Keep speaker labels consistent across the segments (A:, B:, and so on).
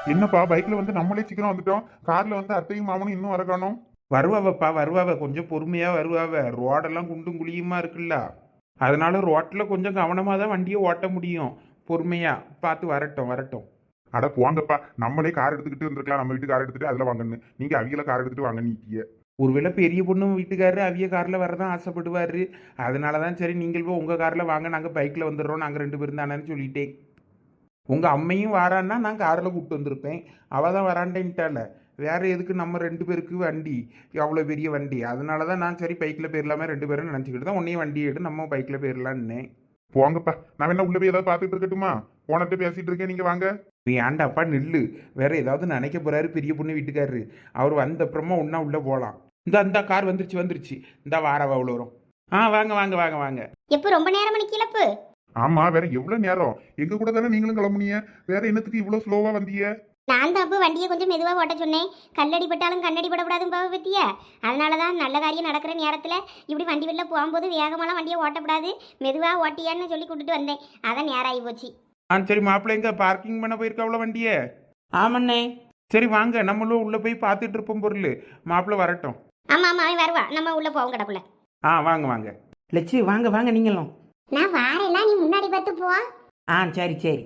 A: என்னப்பா பைக்ல வந்து நம்மளே சீக்கிரம் வந்துட்டோம், கார்ல வந்து அத்தையும் மாமனும் இன்னும் வர காணோம்.
B: வருவாவப்பா வருவாவ, கொஞ்சம் பொறுமையா வருவாவ. ரோடெல்லாம் குண்டும் குழியுமா இருக்குல்ல, அதனால ரோட்ல கொஞ்சம் கவனமா தான் வண்டியை ஓட்ட முடியும். பொறுமையா பார்த்து வரட்டும் வரட்டும்.
A: அட போங்கப்பா, நம்மளே கார் எடுத்துக்கிட்டு வந்திருக்கலாம், நம்ம வீட்டு கார் எடுத்துட்டு அதுல வாங்கன்னு. நீங்க அவிகள கார் எடுத்துட்டு வாங்க நீட்டிய.
B: ஒருவேளை பெரிய பொண்ணு வீட்டுக்காரரு அவிய கார்ல வரதான் ஆசைப்படுவாரு. அதனால தான் சரி நீங்கள் போய் உங்க கார்ல வாங்க, நாங்க பைக்ல வந்துடுறோம், நாங்க 2 பேரும் தானேன்னு சொல்லிட்டேன். உங்க அம்மையும் வாரான்னா நான் கார்ல கூப்பிட்டு வந்திருப்பேன். அவ தான் வரான்டேன்ட்டால. வேற எதுக்கு நம்ம 2 பேருக்கு வண்டி, அவ்வளோ பெரிய வண்டி? அதனால தான் நான் சரி பைக்கில் போயிடலாமே 2 பேரும் நினச்சிக்கிட்டு தான் உன்னையும் வண்டி எடு, நம்ம பைக்கில் போயிடலான்னு.
A: போங்கப்பா, நான் வேணா உள்ள போய் ஏதாவது பார்த்துட்டு இருக்கட்டுமா? போனட்டு பேசிட்டு இருக்கேன், நீங்க வாங்க.
B: ஏன்டாப்பா நில்லு, வேற ஏதாவது நினைக்க போறாரு பெரிய பொண்ணு வீட்டுக்காரரு. அவர் வந்த அப்புறமா ஒன்றா உள்ளே போகலாம். இந்த கார் வந்துருச்சு வந்துருச்சு, இந்த வாரவா அவ்வளோ வரும். வாங்க வாங்க வாங்க வாங்க.
C: எப்போ ரொம்ப நேரம் மணி கிளப்பு?
A: ஆமா, வேற எவ்வளவு நேரம்? எங்க கூட தானே நீங்களும் கிளம்புனீங்க, வேற என்னத்துக்கு இவ்வளவு ஸ்லோவா வந்தீங்க?
C: நான் தான் அப்போ வண்டியை கொஞ்சம் மெதுவாக ஓட்ட சொன்னேன். கல்லடி பட்டாலும் கண்ணடி படக்கூடாதுன்னு பாவ பத்தியா. அதனால தான் நல்ல காரியம் நடக்கிற நேரத்தில் இப்படி வண்டி வெளில போகும்போது வேகமெல்லாம் வண்டியை ஓட்டக்கூடாது, மெதுவாக ஓட்டியான்னு சொல்லி கூட்டிட்டு வந்தேன். அதான் நேரம் ஆகி போச்சு.
B: சரி மாப்பிள்ளை எங்க பார்க்கிங் பண்ண போயிருக்க அவ்வளோ வண்டியை? ஆமாண்ணே. சரி வாங்க, நம்மளும் உள்ளே போய் பார்த்துட்டு இருப்போம் பொருள். மாப்பிள்ளை வரட்டும்.
C: ஆமாம் ஆமாம், அவன் வருவா, நம்ம உள்ளே போவோம் கிடக்குள்ள.
B: வாங்க வாங்க. லட்சு வாங்க வாங்க நீங்களும்.
C: நான் வாரேன்னா நீ முன்னாடி பார்த்து போ.
B: சரி சரி.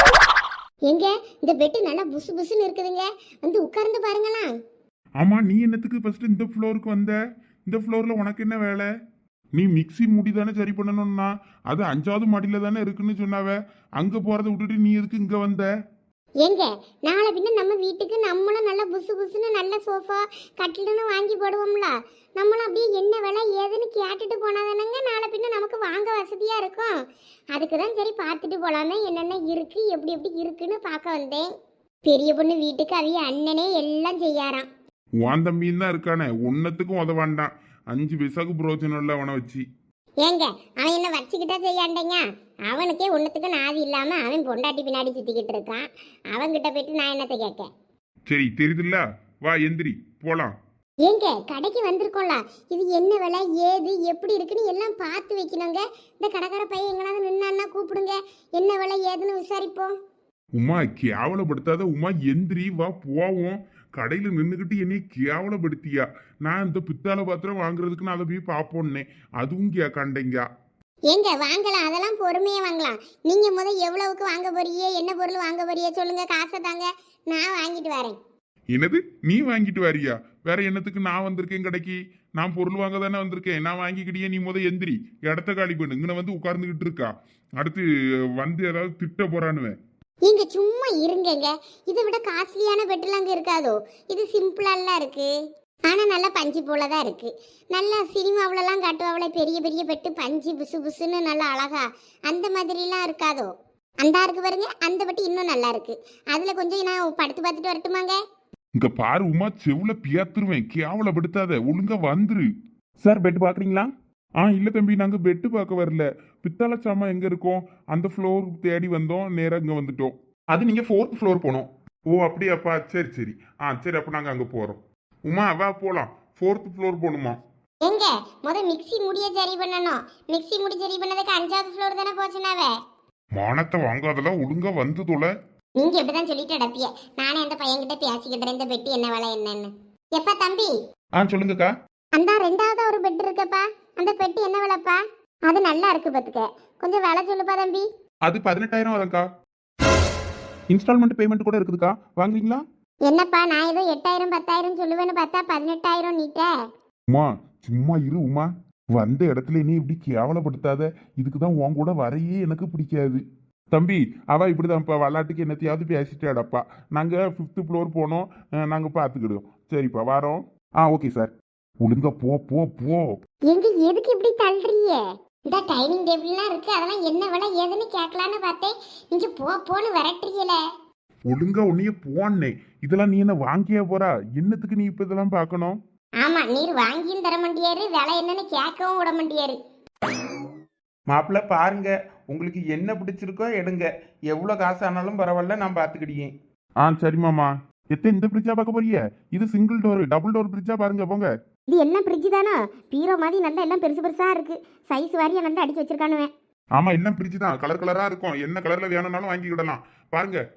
C: எங்க இந்த பெட்டு நல்லா புசு புசுன்னு இருக்குதுங்க, வந்து உட்கார்ந்து பாருங்களா.
A: ஆமா, நீ என்னத்துக்கு ஃபர்ஸ்ட் இந்த ஃப்ளோருக்கு வந்த? இந்த ஃப்ளோர்ல உனக்கு என்ன வேலை? நீ மிக்ஸி மூடி தானே சரி பண்ணணும்னா, அது 5வது மாடியில தானே இருக்குன்னு சொன்னாவ. அங்க போறதை விட்டுட்டு நீ எதுக்கு இங்க வந்த?
C: ஏங்க நாளை பின்ன நம்ம வீட்டுக்கு நம்மளும் நல்லா புசு புசுன்னு நல்ல சோஃபா கட்டிலுன்னு வாங்கி போடுவோம்ல. நம்மளும் அப்படியே என்ன விலை ஏதுன்னு கேட்டுட்டு போனாதானங்க நாளை பின்ன நமக்கு வாங்க வசதியா இருக்கும். அதுக்கு தான் சரி பார்த்துட்டு போலாமே, என்னென்ன இருக்கு எப்படி எப்படி இருக்குன்னு பார்க்க வந்தேன். பெரிய பொண்ணு வீட்டுக்கு அவிய அண்ணனே எல்லாம் செய்யாராம்.
A: உன் தம்பியும் தான் இருக்கானே, ஒன்னத்துக்கும் உதவாண்டான். 5 பைசாக்கு பிரோஜனம் இல்லை அவனை வச்சு.
C: ஏங்க அவன் என்ன வச்சுக்கிட்டா செய்யாண்டேங்க. அவனுக்கே ஒன்றுத்துக்கு நாதி இல்லாம அவன் பொண்டாட்டி பின்னாடி சுத்திக்கிட்டு இருக்கான். அவன்கிட்ட போயிட்டு நான் என்னத்தை கேட்க?
A: சரி தெரியுதுல்ல, வா எந்திரி போலாம்.
C: ஏங்க கடைக்கு வந்திருக்கோம்ல, இது என்ன விலை ஏது எப்படி இருக்குன்னு எல்லாம் பார்த்து வைக்கணுங்க. இந்த கடைக்கார பையன் எங்கனாவது நின்னான்னா கூப்பிடுங்க, என்ன விலை ஏதுன்னு விசாரிப்போம்.
A: உமா கேவலப்படுத்தாத உமா, எந்திரி வா போவோம். கடையில நின்றுக்கிட்டு என்னை கேவலப்படுத்தியா? நான் இந்த பித்தாளை பாத்திரம் வாங்குறதுக்கு நான் அதை போய் பார்ப்போன்னே, அதுவும் கண்டேங்க.
C: ஏங்க வாங்கலாம், அதெல்லாம் பொறுமையா வாங்கலாம். நீங்க எவ்வளவுக்கு வாங்க போறியே, என்ன பொருள் வாங்க போறியே சொல்லுங்க, காசை தாங்க, நான் வாங்கிட்டு வரேன்.
A: என்னது நீ வாங்கிட்டு வரியா? வேற என்னத்துக்கு நான் வந்திருக்கேன் கடைக்கு? நான் பொருள் வாங்க தானே வந்திருக்கேன், நான் வாங்கிக்கிட்டியே. நீ எந்திரி, இடத்த காலி பண்ணு. இங்கே வந்து உட்கார்ந்துகிட்டு இருக்கா, அடுத்து வந்து ஏதாவது திட்ட போறானுவேன்.
C: நீங்க சும்மா இருங்கங்க, இதை விட காஸ்ட்லியான பெட்டெல்லாம் அங்க இருக்காதோ. இது சிம்பிளாலாம் இருக்கு, ஆனா நல்லா பஞ்சு போலதான் இருக்கு. நல்லா சினிமாவிலலாம் காட்டுவாவில பெரிய பெரிய பெட்டு பஞ்சு புசு புசுன்னு நல்லா அழகா, அந்த மாதிரிலாம் இருக்காதோ. அந்த இருக்கு பாருங்க, அந்த பெட்டு இன்னும் நல்லா இருக்கு. அதுல கொஞ்சம் நான் படுத்து பார்த்துட்டு வரட்டுமாங்க?
A: இங்க பாரு உமா, செவுல பியாத்துருவேன், கேவலப்படுத்தாத, ஒழுங்கா வந்துரு.
B: சார் பெட் பார்க்குறீங்களா?
A: இல்ல தம்பி, நாங்க பெட்டு பார்க்க வரல. பித்தாள சாமான் எங்க இருக்கோம் அந்த ஃப்ளோர் தேடி வந்தோம், நேரா இங்க வந்துட்டோம்.
B: அது நீங்கள் 4th ஃப்ளோர் போகணும்.
A: ஓ அப்படியாப்பா, சரி சரி. சரி, அப்ப நாங்க அங்க போறோம். உமா வா போலாம், 4th ஃப்ளோர் போகணுமா?
C: எங்க மிக்ஸி முடிய சரி பண்ணணும். மிக்ஸி முடி சரி பண்ணதுக்கு 5வது ஃப்ளோர் தானே போச்சுனாவே.
A: மானத்தை வாங்காதெல்லாம் ஒழுங்கா வந்து தொலை.
C: நீங்க எப்படிதான் சொல்லிட்டு அடப்பிய, நானே அந்த பையன்கிட்ட பேசிக்கிட்டேன் இந்த பெட்டு என்ன விலை என்னன்னு. எப்பா தம்பி,
B: சொல்லுங்கக்கா.
C: அந்த 2வது ஒரு பெட் இருக்குப்பா, அந்த பெட்டு என்ன விலைப்பா? அது நல்லா இருக்கு பாத்துக்க, கொஞ்சம் விலை சொல்லுப்பா தம்பி.
B: அது 18,000 அதக்கா. இன்ஸ்டால்மெண்ட் பேமெண்ட் கூட இருக்குதுக்கா, வாங்குறீங்களா?
C: என்னப்பா நான் ஏதோ 8,000 10,000 சொல்லுவேன்னு பார்த்தா 18,000 நீட்ட.
A: உமா சும்மா இரு உமா, வந்த இடத்துல நீ இப்படி கேவலப்படுத்தாத. இதுக்குதான் உன் கூட வரையே எனக்கு பிடிக்காது. தம்பி அவ இப்படிதான்ப்பா, விளாட்டுக்கு என்னத்தையாவது பேசிட்டாடப்பா. நாங்க 5th ஃப்ளோர் போனோம், நாங்க பாத்துக்கிடுவோம். சரிப்பா வரோம். Okay sir. ஒழுங்கா போ போ போ.
C: எங்க எதுக்கு இப்படி தள்ளுறீங்க? இந்த டைனிங் டேபிள்லாம் இருக்கு, அதெல்லாம் என்ன விலை ஏதுன்னு கேட்கலான்னு பார்த்தேன், நீங்க போன்னு விரட்டுறீங்கள.
A: ஒழுங்கா உன்னைய போனே. இதெல்லாம் நீ என்ன வாங்கியா போறா? என்னத்துக்கு நீ இப்ப இதெல்லாம் பார்க்கணும்?
C: ஆமா, நீர் வாங்கியும் தர மாட்டியாரு, விலை என்னன்னு கேட்கவும் விட மாட்டியாரு.
B: மாப்பிள்ளை பாருங்க, உங்களுக்கு என்ன பிடிச்சிருக்கோ எடுங்க. எவ்வளோ காசு ஆனாலும் பரவாயில்ல, நான் பார்த்துக்கிட்டேன்.
A: சரி மாமா. இந்த ஃப்ரிட்ஜா பார்க்க போறிய? இது சிங்கிள் டோர், டபுள் டோர் ஃப்ரிட்ஜா பாருங்க போங்க.
C: இது எல்லாம் ஃப்ரிட்ஜ் தானா? பீரோ மாதிரி நல்லா எல்லாம் பெருசு பெருசா இருக்கு, சைஸ் வாரியா நல்லா அடிச்சு வச்சிருக்கானுவேன்.
A: ஆமா, எல்லாம் ஃப்ரிட்ஜ் தான், கலர் கலரா இருக்கும். என்ன கலர்ல வேணும்னாலும் வாங்கிக்கிடலாம் பாருங்க.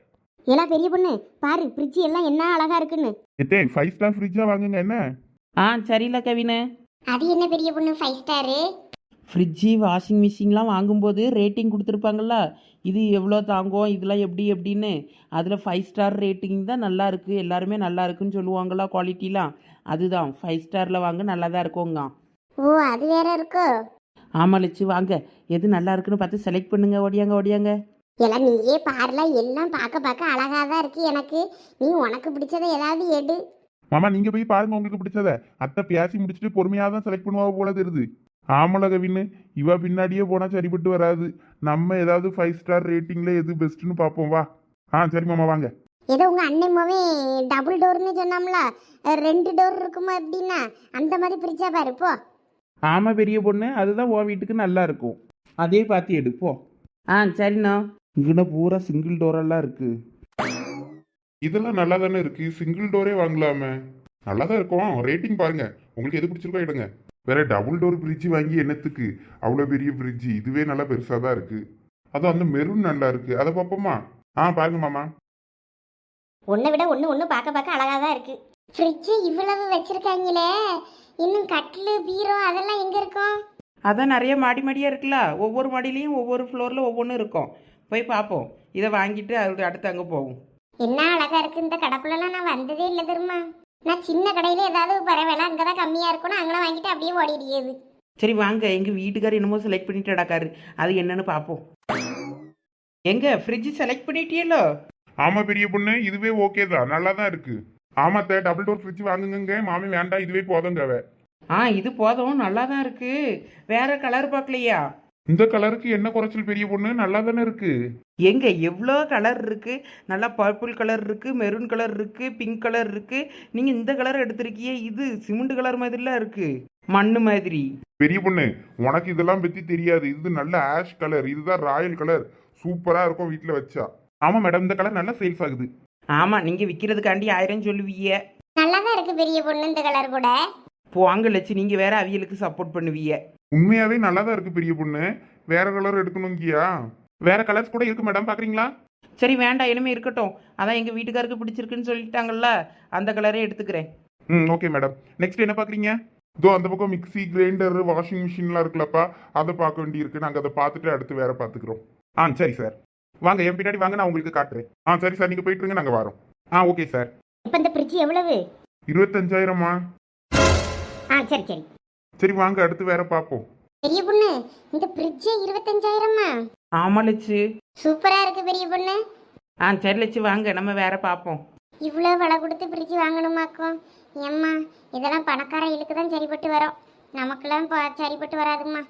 C: எல்லாம் பெரிய பொண்ணு பாரு ஃப்ரிட்ஜ் எல்லாம் என்ன அழகா இருக்குன்னு.
A: எத்தே 5 ஸ்டார் ஃப்ரிட்ஜா வாங்குங்க என்ன.
D: ஆ சரியில்ல கவினு.
C: அது என்ன பெரிய பொண்ணு 5 ஸ்டாரு?
D: ஃப்ரிட்ஜு வாஷிங் மிஷின்லாம் வாங்கும்போது ரேட்டிங் கொடுத்துருப்பாங்கள்ல, இது எவ்வளோ தாங்கும் இதெல்லாம் எப்படி எப்படின்னு. அதில் 5 ஸ்டார் ரேட்டிங் தான் நல்லா இருக்குது, எல்லாருமே நல்லா இருக்குன்னு சொல்லுவாங்களா குவாலிட்டிலாம். அதுதான் 5 ஸ்டாரில் வாங்க நல்லா தான் இருக்குங்க.
C: ஓ அது வேற இருக்கோ?
D: ஆமாம் லட்சு வாங்க, எது நல்லா இருக்குன்னு பார்த்து செலக்ட் பண்ணுங்க. ஓடியாங்க ஓடியாங்க.
C: எல்லாம் நீயே பாருல, எல்லாம் பார்க்க அழகா தான் இருக்கு எனக்கு. நீ உனக்கு பிடிச்சதை ஏதாவது எடு.
A: மாமா நீங்க போய் பாருங்க உங்களுக்கு பிடிச்சத. அத்தை பேசி முடிச்சுட்டு பொறுமையா தான் செலக்ட் பண்ணுவா போல தெரியுது. ஆமல கவின்னு இவ பின்னாடியே போனா சரிப்பட்டு வராது. நம்ம ஏதாவது 5 ஸ்டார் ரேட்டிங்ல எது பெஸ்ட்னு பார்ப்போம் வா. சரி மாமா வாங்க.
C: ஏதோ உங்க அண்ணன்மாவே டபுள் டோர்னு சொன்னோம்ல, 2 டோர் இருக்குமா அப்படின்னா அந்த மாதிரி பிரிச்சா பாரு போ.
B: ஆமாம் பெரிய பொண்ணு, அதுதான் உன் வீட்டுக்கு நல்லா இருக்கும். அதே பார்த்து எடுப்போம்.
D: சரிண்ணா.
B: இங்கே பூரா சிங்கிள் டோரெல்லாம் இருக்கு.
A: இதெல்லாம் நல்லா தானே இருக்கு, சிங்கிள் டோரே வாங்கலாமே. நல்லா தான் இருக்கும். ரேட்டிங் பாருங்க, உங்களுக்கு எது பிடிச்சிருக்கோ எடுங்க. வேற டபுள் டோர் ஃப்ரிட்ஜ் வாங்கி என்னத்துக்கு, அவ்வளோ பெரிய ஃப்ரிட்ஜ் இதுவே நல்லா பெருசாக தான் இருக்கு. அதுவும் அந்த மெரூன் நல்லா இருக்கு, அதை பார்ப்போமா? பாருங்க மாமா.
C: ஒன்றை விட ஒன்று பார்க்க அழகா தான் இருக்கு. ஃப்ரிட்ஜ் இவ்வளவு வச்சிருக்காங்களே, இன்னும் கட்டிலு பீரோ அதெல்லாம் எங்க இருக்கும்?
D: அதான் நிறைய மாடி மாடியாக இருக்குல்ல, ஒவ்வொரு மாடியிலையும் ஒவ்வொரு ஃப்ளோரில் ஒவ்வொன்றும் இருக்கும். போய் பார்ப்போம். இதை வாங்கிட்டு அது அடுத்து அங்கே போகும்.
C: என்ன அழகா இருக்கு இந்த கடைப்புலலாம், நான் வந்ததே இல்லை தெரியுமா. நான் சின்ன கடையில ஏதாவது பரவாயில்ல அங்கே தான் கம்மியாக இருக்கும்னு அங்கெல்லாம் வாங்கிட்டு அப்படியே ஓடிடுது.
D: சரி வாங்க, எங்கள் வீட்டுக்கார் என்னமோ செலக்ட் பண்ணிட்டு அடக்காரு, அது என்னன்னு பார்ப்போம். எங்க ஃப்ரிட்ஜ் செலக்ட் பண்ணிட்டியலோ?
A: ஆமா பெரிய பொண்ணு, இதுவே ஓகே தான், நல்லா தான் இருக்கு. ஆமாத்த டபுள் டோர் ஃப்ரிட்ஜ் வாங்குங்க. மாமி வேண்டாம், இதுவே போதுங்க.
D: இது போதும், நல்லா தான் இருக்கு. வேற கலர் பார்க்கலையா?
A: இந்த கலருக்கு என்ன குறைச்சல் பெரிய பொண்ணு, நல்லா தானே இருக்கு.
D: எங்க எவ்வளோ கலர் இருக்கு. நல்லா பர்பிள் கலர் இருக்கு, மெரூன் கலர் இருக்கு, பிங்க் கலர் இருக்கு. நீங்க இந்த கலர் எடுத்திருக்கியே, இது சிமெண்ட் கலர் மாதிரிலாம் இருக்கு, மண்ணு மாதிரி.
A: பெரிய பொண்ணு உனக்கு இதெல்லாம் பத்தி தெரியாது, இது நல்ல ஆஷ் கலர், இதுதான் ராயல் கலர். சூப்பரா இருக்கும் வீட்டுல வச்சா. ஆமா மேடம், இந்த கலர் நல்லா சேல்ஸ் ஆகுது.
D: ஆமா, நீங்க விற்கிறதுக்காண்டி 1000 சொல்லுவீங்க.
C: நல்லா தான் இருக்கு பெரிய பொண்ணு இந்த கலர் கூட.
D: போங்க லட்சு, நீங்க வேற அவியலுக்கு சப்போர்ட் பண்ணுவீங்க.
A: உண்மையாவே நல்லா தான் இருக்கு பெரிய பொண்ணு. வேற கலர் எடுக்கணுங்கியா? வேற கலர்ஸ் கூட இருக்கு மேடம், பாக்குறீங்களா?
D: சரி வேண்டாம், இனிமே இருக்கட்டும். அதான் எங்க வீட்டுக்காருக்கு பிடிச்சிருக்குன்னு சொல்லிட்டாங்கல்ல, அந்த கலரே எடுத்துக்கிறேன்.
A: Okay madam. நெக்ஸ்ட் என்ன பாக்குறீங்க? இதோ அந்த பக்கம் மிக்ஸி, கிரைண்டர், வாஷிங் மிஷின்லாம் இருக்குல்லப்பா, அதை பார்க்க வேண்டி இருக்கு. நாங்கள் அதை பார்த்துட்டு அடுத்து வேற பார்த்துக்கிறோம். சரி சார், வாங்க என் பின்னாடி வாங்க, நான் உங்களுக்கு காட்டுறேன். சரி சார், நீங்க போயிட்டு இருங்க, நாங்கள் வரோம். Okay sir.
C: இப்போ இந்த ஃப்ரிட்ஜ் எவ்வளவு?
A: 25,000மா?
C: சரி சரி
A: சரி வாங்க, அடுத்து வேற பார்ப்போம்.
C: பெரிய பொண்ணு இந்த ஃப்ரிட்ஜ் 25,000மா?
D: ஆமா லட்சு.
C: சூப்பரா இருக்கு பெரிய பொண்ணு.
D: சரி லட்சு வாங்க, நம்ம வேற பார்ப்போம்.
C: இவ்வளோ விலை கொடுத்து ஃப்ரிட்ஜ் வாங்கணுமாக்கும்? ஏம்மா இதெல்லாம் பணக்கார இழுக்கு தான் சரிப்பட்டு வரும், நமக்கெல்லாம் சரிப்பட்டு வராதும்மா.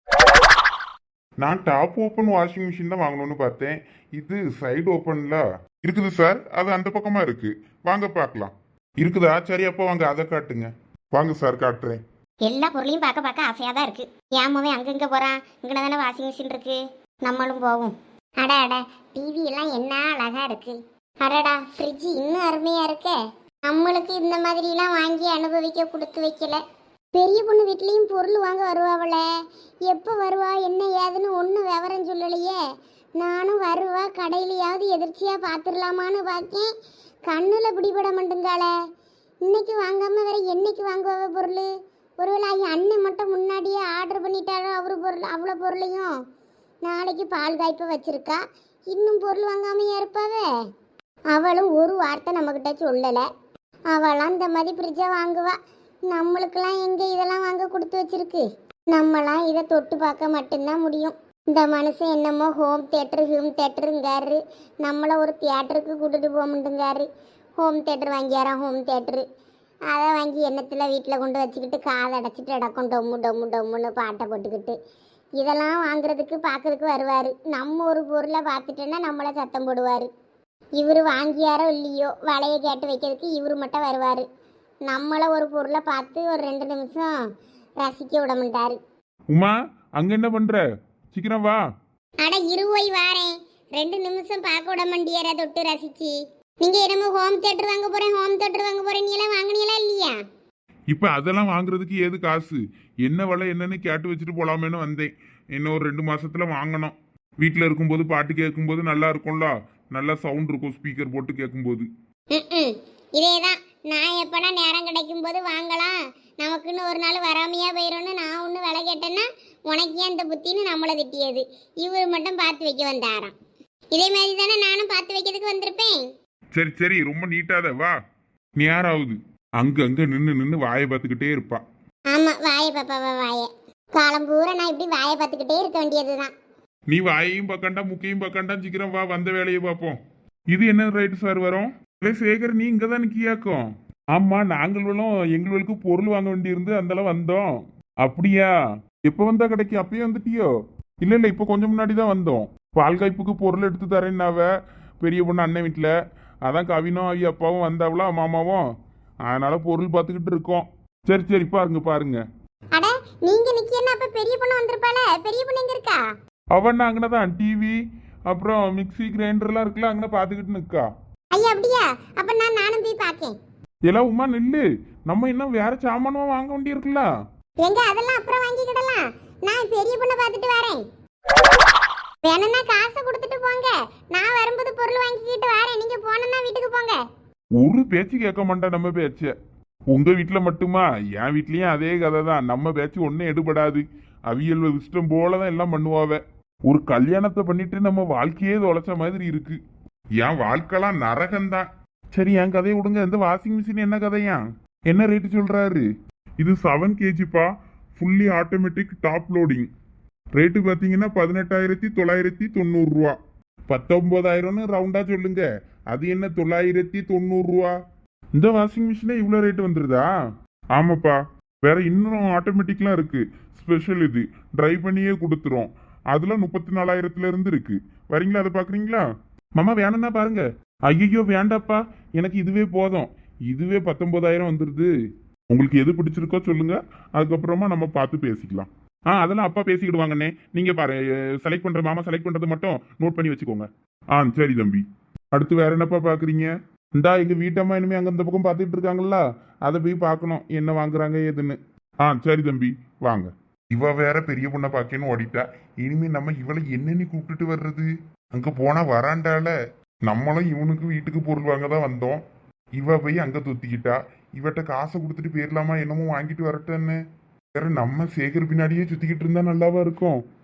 A: நான் டாப் ஓப்பன் வாஷிங் மிஷின் தான் வாங்கணும்னு பார்த்தேன். இது சைடு ஓப்பன்ல இருக்குது சார், அது அந்த பக்கமா இருக்கு. வாங்க பார்க்கலாம். இருக்குதா? சரி அப்போ வாங்க, அதை காட்டுங்க. வாங்க சார், காட்டுறேன்.
C: எல்லா பொருளையும் பார்க்க ஆசையாக தான் இருக்கு. ஏமாவே அங்கங்கே போகிறான், இங்கே தானே வாஷிங் மிஷின் இருக்கு, நம்மளும் போவோம். அட டிவி எல்லாம் என்ன அழகா இருக்கு. அடடா ஃப்ரிட்ஜ் இன்னும் அருமையா இருக்கே. நம்மளுக்கு இந்த மாதிரிலாம் வாங்கி அனுபவிக்க கொடுத்து வைக்கல. பெரிய பொண்ணு வீட்லேயும் பொருள் வாங்க வருவாவள, எப்போ வருவா என்ன ஏதுன்னு ஒன்றும் விவரம் சொல்லலையே. நானும் வருவா கடையிலையாவது எதிர்ச்சியாக பார்த்துடலாமான்னு பார்த்தேன், கண்ணில் பிடிபட மாட்டேங்காளே. இன்னைக்கு வாங்காமல் வேற என்னைக்கு வாங்குவாவ பொருள்? ஒருவேளை அண்ணன் மட்டும் முன்னாடியே ஆர்டர் பண்ணிட்டாரோ அவரு பொருள், அவ்வளோ பொருளையும். நாளைக்கு பால் காய்ப்ப வச்சிருக்கா, இன்னும் பொருள் வாங்காமையா இருப்பாவே. அவளும் ஒரு வார்த்தை நம்மக்கிட்ட சொல்லலை. அவளாம் இந்த மாதிரி ஃப்ரிட்ஜை வாங்குவா. நம்மளுக்கெல்லாம் எங்கே இதெல்லாம் வாங்க கொடுத்து வச்சிருக்கு? நம்மளாம் இதை தொட்டு பார்க்க மட்டும்தான் முடியும். இந்த மனுஷன் என்னமோ ஹோம் தேட்டருங்காரு, நம்மளை ஒரு தியேட்டருக்கு கூட்டிட்டு போக மாட்டேங்காரு. ஹோம் தேட்டர் வாங்கியாராம், ஹோம் தேட்டரு. அதை வாங்கி எண்ணத்தில் வீட்டில் கொண்டு வச்சுக்கிட்டு காதை அடைச்சிட்டு இடக்கும் டொம்மு டொம்மு டொம்முன்னு பாட்டை போட்டுக்கிட்டு இதெல்லாம் வாங்குறதுக்கு பார்க்கறதுக்கு வருவார். நம்ம ஒரு பொருளை பார்த்துட்டோன்னா நம்மளை சத்தம் போடுவார். இவர் வாங்கியாரோ இல்லையோ வலையை கேட்டு வைக்கிறதுக்கு இவர் மட்டும் வருவார். நம்மளை ஒரு பொருளை பார்த்து ஒரு 2 நிமிஷம் ரசிக்க விட மாட்டார்.
A: உமா, அங்க என்ன பண்ற? சீக்கிரம் வா.
C: அட இருவோய் வாரேன், 2 நிமிஷம் பார்க்க விட மாட்டியாரா தொட்டு ரசிச்சு? நீங்க என்னமோ ஹோம் தேட்டர் வாங்க போறேன் நீ எல்லாம் வாங்கினீங்களா இல்லையா?
A: இப்ப அதெல்லாம் வாங்குறதுக்கு ஏது காசு? என்ன விலை என்னன்னு கேட்டு வச்சுட்டு போலாமேன்னு வந்தேன். இன்னும் ஒரு 2 மாசத்துல வாங்கணும். வீட்டில் இருக்கும்போது பாட்டு கேட்கும்போது நல்லா இருக்கும்ல, நல்லா சவுண்ட் இருக்கும் ஸ்பீக்கர் போட்டு கேட்கும்போது.
C: ம் இதேதான். நான் எப்பனா நேரம் கிடைக்கும் போது வாங்கலாம், நமக்குன்னு ஒரு நாள் வராமையா போயிடும்னு நான் ஒன்று விலை கேட்டேன்னா உனக்கு ஏன் இந்த புத்தின்னு நம்மளை திட்டியது. இவர் மட்டும் பார்த்து வைக்க வந்தாராம். இதே மாதிரி தானே நானும் பார்த்து வைக்கிறதுக்கு வந்திருப்பேன்.
A: சரி சரி, ரொம்ப நீட்டாத வா. நேராகுது. அங்க நின்று வாயை பார்த்துக்கிட்டே இருப்பா.
C: ஆமா, வாயை பாப்பாவா வாயை. காலம் பூரா நான் இப்படி வாயை பார்த்துக்கிட்டே இருக்க வேண்டியதுதான்.
A: நீ வாயையும் பார்க்கண்டா முக்கையும் பார்க்கண்டா, சீக்கிரம் வா, வந்த வேலையை பார்ப்போம். இது என்ன ரைட்டு சார் வரும்? சேகர், நீ இங்கே தான் நிற்கியாக்கும். ஆமா, நாங்களும் எங்களுக்கு பொருள் வாங்க வேண்டியிருந்து அந்தளவு வந்தோம். அப்படியா? எப்போ வந்தா கிடைக்கும்? அப்பயே வந்துட்டியோ? இல்லை இப்போ கொஞ்சம் முன்னாடி தான் வந்தோம். பால் காய்ப்புக்கு பொருள் எடுத்து தரேன்னாவ பெரிய பொண்ணு அண்ணன் வீட்டில். அதான் கவினும் அவி அப்பாவும் வந்தாவளா, மாமாவும். அதனால பொருள் பார்த்துக்கிட்டு இருக்கோம். சரி சரி, பாருங்க.
C: அட, நீங்க நிக்கேன்னா அப்ப பெரிய பொண்ணு வந்திருப்பாள. பெரிய பொண்ணு எங்க இருக்கா?
A: அவன் அங்கே தான் டிவி அப்புறம் மிக்சி கிரைண்டர்லாம் இருக்குல்ல, அங்கே பார்த்துக்கிட்டு நிற்கா.
C: ஐயா அப்படியா? அப்ப நானும் போய் பார்க்கேன்.
A: எல்லாம் உமா நில்லு, நம்ம இன்னும் வேற சாமானும் வாங்க வேண்டியிருக்குல்ல.
C: எங்க அதெல்லாம் அப்புறம் வாங்கிக்கிடலாம். நான் பெரிய பொண்ணை பார்த்துட்டு வரேன். வேணும்னா காசை கொடுத்துட்டு போங்க, நான் வரும்போது பொருள் வாங்கிக்கிட்டு வரேன். நீங்க போனோம்னா வீட்டுக்கு போங்க.
A: ஒரு பேச்சு கேட்க மாட்டா நம்ம பேச்ச. உங்க வீட்டுல மட்டுமா? என் வீட்லயும் அதே கதை தான். நம்ம பேச்சு ஒன்னும் எடுபடாது. அவியல் இஷ்டம் போலதான் எல்லாம் பண்ணுவாவ. ஒரு கல்யாணத்தை பண்ணிட்டு நம்ம வாழ்க்கையே தொலைச்ச மாதிரி இருக்கு. என் வாழ்க்கைலாம் நரகம்தான். சரி, என் கதையை விடுங்க. இந்த வாஷிங் மிஷின் என்ன கதையா? என்ன ரேட்டு சொல்றாரு? இது 7 kgப்பா, fully automatic top loading. Rate பார்த்தீங்கன்னா 18,990 ரூபா. 19,000ன்னு ரவுண்டா சொல்லுங்க. அது என்ன 990 ரூபா? இந்த வாஷிங் மிஷினே இவ்வளோ ரேட்டு வந்துருதா? ஆமாப்பா, வேற இன்னும் ஆட்டோமேட்டிக்லாம் இருக்கு. ஸ்பெஷல் இது ட்ரை பண்ணியே கொடுத்துரும். அதுல 34,000ல இருந்து இருக்கு. வரீங்களா? அதை பாக்குறீங்களா? மாமா வேணும்னா பாருங்க. ஐயோ வேண்டாப்பா, எனக்கு இதுவே போதும். இதுவே 19,000 வந்துருது. உங்களுக்கு எது பிடிச்சிருக்கோ சொல்லுங்க, அதுக்கப்புறமா நம்ம பார்த்து பேசிக்கலாம். அதெல்லாம் அப்பா பேசிக்கிடுவாங்கண்ணே. நீங்க பாரு, செலக்ட் பண்ற மாமா செலக்ட் பண்றது மட்டும் நோட் பண்ணி வச்சுக்கோங்க. சரி தம்பி. அடுத்து வேற என்னப்பா பாக்குறீங்க? இந்தா எங்க வீட்டம்மா இனிமே அங்க இந்த பக்கம் பார்த்துட்டு இருக்காங்கல்ல, அதை போய் பார்க்கணும் என்ன வாங்குறாங்க ஏதுன்னு. சரி தம்பி, வாங்க. இவ வேற பெரிய பொண்ணை பார்க்கணும் ஓடிட்டா. இனிமே நம்ம இவளை என்னன்னு கூப்பிட்டுட்டு வர்றது? அங்க போனா வராண்டால. நம்மளும் இவனுக்கு வீட்டுக்கு பொருள் வாங்க தான் வந்தோம். இவ போய் அங்க தொத்திக்கிட்டா. இவட்ட காசை கொடுத்துட்டு போயிடலாமா? என்னமோ வாங்கிட்டு வரட்டேன்னு. வேற நம்ம சேகர் பின்னாடியே சுத்திக்கிட்டு இருந்தா நல்லாவா இருக்கும்?